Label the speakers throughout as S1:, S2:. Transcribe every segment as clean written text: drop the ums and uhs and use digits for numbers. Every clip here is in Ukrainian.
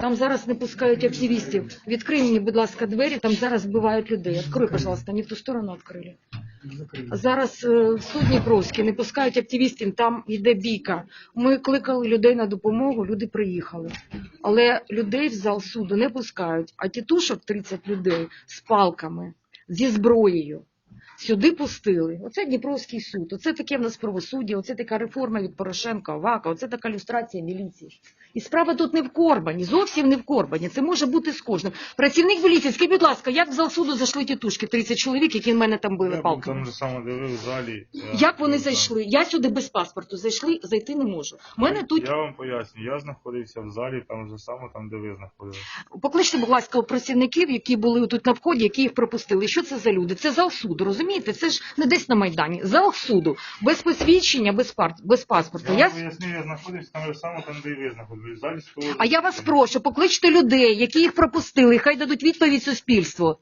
S1: Там зараз не пускають активістів. Відкрий мені, будь ласка, двері, там зараз вбивають людей. Открой, пожалуйста, не в ту сторону відкрили. Зараз в суд Дніпровський не пускають активістів, там йде бійка. Ми кликали людей на допомогу, люди приїхали. Але людей в зал суду не пускають, а тітушок 30 людей з палками, зі зброєю. Сюди пустили. Оце Дніпровський суд, оце таке в нас правосуддя, оце така реформа від Порошенка, Авака, оце така люстрація міліції. І справа тут не в Корбані, зовсім не в Корбані, це може бути з кожним. Працівник міліції, скажіть, будь ласка, як в зал суду зайшли тітушки, 30 чоловік, які в мене там били палками?
S2: Там же саме дивив в залі.
S1: Як вони зайшли? Я сюди без паспорту зайти не можу. Мене тут...
S2: Я вам поясню, я знаходився в залі, там же саме, там де ви знаходилися.
S1: Покличте, будь ласка, працівників, які були тут на вході, які їх пропустили. Що це за люди? Це зал суду, розумієте? Це ж не десь на Майдані. Зал суду. Без посвідчення, без паспорту.
S2: Я вам поясню, я знаходився там же саме, там де і ви знаходились. В залі стоїть.
S1: А я вас прошу, покличте людей, які їх пропустили, хай дадуть відповідь суспільству.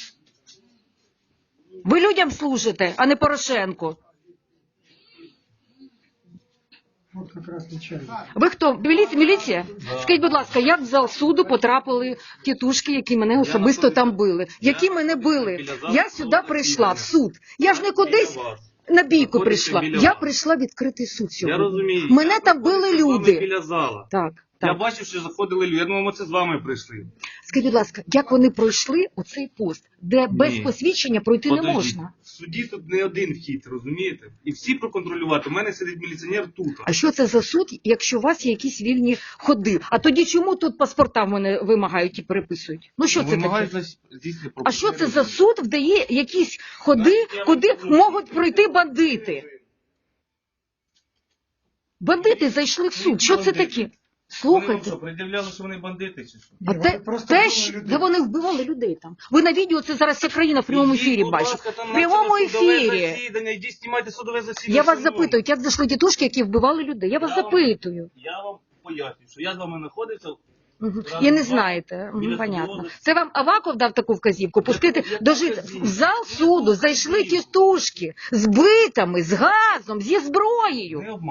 S1: Ви людям служите, а не Порошенку.
S3: Вот как раз начальник.
S1: Ви хто? Міліція? Скажіть, будь ласка, як в зал суду потрапили тітушки, які мене особисто там били? Які мене били? Я сюди прийшла, в суд. Я ж не кудись на бійку прийшла. Я прийшла в відкритий суд
S4: Я
S1: сьогодні.
S4: розумію.
S1: Мене там били люди.
S4: Біля зала.
S1: Так,
S4: Я
S1: так.
S4: бачив, що заходили люди. Я думав, ми це з вами прийшли.
S1: Скажіть, будь ласка, як вони пройшли оцей пост, де без посвідчення пройти не
S4: Подождіть.
S1: можна?
S4: В суді тут не один вхід, розумієте? І всі проконтролювати. У мене сидить міліціонер тут.
S1: А що це за суд, якщо у вас є якісь вільні ходи? А тоді чому тут паспорта в мене вимагають і переписують? Ну що це таке? А що це за суд, де є якісь ходи, куди можуть пройти бандити? Бандити зайшли в суд. Що це таке? Слухайте.
S4: Що, пред'являли, що вони бандити чи що?
S1: А
S3: Ні,
S1: те,
S3: вони просто
S1: те
S3: вбивали
S1: ж,
S3: людей.
S1: де вони вбивали людей там. Ви на відео це зараз вся країна в прямому ефірі
S4: Будь
S1: бачить.
S4: ласка, там
S1: В прямому
S4: почали судове
S1: ефірі.
S4: засідання, йдіть, знімайте судове засідання.
S1: Я вас
S4: зі мною.
S1: запитую, як зайшли тітушки, які вбивали людей? Я вас
S4: Я вам-
S1: запитую.
S4: Я вам поясню, що я з вами знаходився.
S1: Мгм.
S4: Разом
S1: І не
S4: з
S1: знаєте,
S4: вами біля
S1: понятно.
S4: судового
S1: Це вам Аваков дав таку вказівку? Пустити,
S4: Я
S1: дожити.
S4: покажу.
S1: В зал суду зайшли тітушки з битами, з газом, зі зброєю.
S4: Не обманюйте.